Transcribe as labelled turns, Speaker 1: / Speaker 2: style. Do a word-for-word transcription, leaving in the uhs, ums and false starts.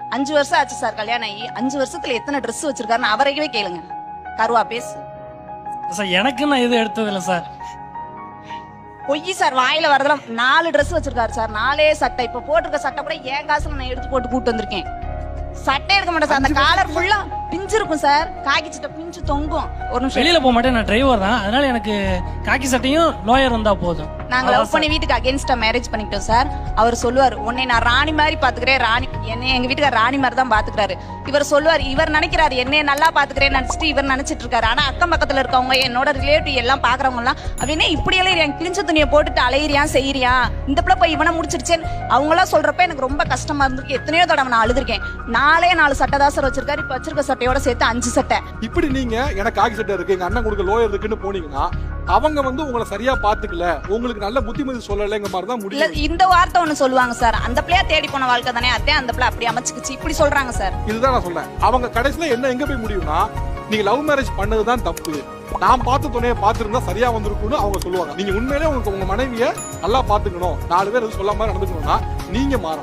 Speaker 1: அஞ்சு வருஷம் ஆச்சு சார் கல்யாணம் ஆகி. அஞ்சு வருஷத்துல எத்தனை ட்ரெஸ் வச்சிருக்காருன்னு அவரையவே கேளுங்க. கருவா பேசு
Speaker 2: சார். எனக்கு நான் எதுவும் எடுத்தது இல்லை சார்.
Speaker 1: பொய் சார். வாயில வரதெல்லாம் நாலு ட்ரெஸ் வச்சிருக்காரு சார். நாலே சட்டை. இப்ப போட்டிருக்க சட்டை கூட என் காசுல நான் எடுத்து போட்டு கூட்டு வந்திருக்கேன். சட்டை எடுக்க மாட்டேன் சார். அந்த காலர் ஃபுல்லா பிஞ்சு இருக்கும் சார். காக்கி சட்டை பிஞ்சு தொங்கும். ஒரு நிமிஷம்
Speaker 2: வெளியில போக மாட்டேன், நான் டிரைவர் தான். அதனால எனக்கு காக்கி சட்டையும் லோயர் இருந்தா போதும்.
Speaker 1: நாங்க லவ் பண்ணி வீட்டுக்கு அகைன்ஸ்டா மேரேஜ் பண்ணிக்கிட்டோம் சார். அவர் சொல்லுவார், உன்னை நான் ராணி மாதிரி பாத்துக்கிறேன். ராணி என்ன எங்க வீட்டுக்கு ராணி மாதிரி தான் பாத்துக்கிறாரு. இவர் சொல்லுவார், இவர் நினைக்கிறாரு என்னைய நல்லா பாத்துக்கிறேன்னு நினைச்சிட்டு இவர் நினைச்சிட்டு இருக்காரு. ஆனா அக்கம் பக்கத்துல இருக்கவங்க என்னோட ரிலேட்டிவ் எல்லாம் பாக்குறவங்க எல்லாம் அப்படின்னா இப்படி எல்லாம் எனக்கு பிரிஞ்ச துணியை போட்டுட்டு அலையிறியா செய்யறியா, இந்த பிள்ளை போய் இவனை முடிச்சிருச்சேன்னு அவங்க எல்லாம் சொல்றப்ப எனக்கு ரொம்ப கஷ்டமா இருந்திருக்கு. எத்தனையோ தடவை நான் அழுதுருக்கேன். நாலே நாலு சட்டை தான் சார் வச்சிருக்காரு. இப்ப வச்சிருக்க சட்டையோட சேர்த்து அஞ்சு சட்டை.
Speaker 3: இப்படி நீங்க எனக்கு காக்கி சட்டை இருக்கு, எங்க அண்ணன் கொடுக்க லோயர் இருக்குன்னு போனீங்கன்னா அவங்க வந்து உங்களை சரியா பாத்துக்கல, உங்களுக்கு நல்ல புத்திமதி சொல்லலைங்க மாதிரி தான் முடியும்.
Speaker 1: இந்த வார்த்தை ஒண்ணு சொல்லுவாங்க சார், அந்த பிள்ளையா தேடி போன வாழ்க்கை தானே அதே அந்த பிள்ளை அப்படி அமைச்சுக்குச்சு இப்படி சொல்றாங்க சார்.
Speaker 3: இதுதான் நான் சொல்றேன். அவங்க கடைசியில என்ன எங்க போய் முடியும்னா, நீங்க லவ் மேரேஜ் பண்ணதுதான் தப்பு, நான் பார்த்த துணையை பார்த்திருந்தா சரியா வந்திருக்கும்னு அவங்க சொல்லுவாங்க. நீங்க உண்மையிலே உங்களுக்கு உங்க மனைவியை நல்லா பாத்துக்கணும், நாலு பேர் எதுவும் சொல்லாம நடந்துக்கணும்னா நீங்க மாறணும்.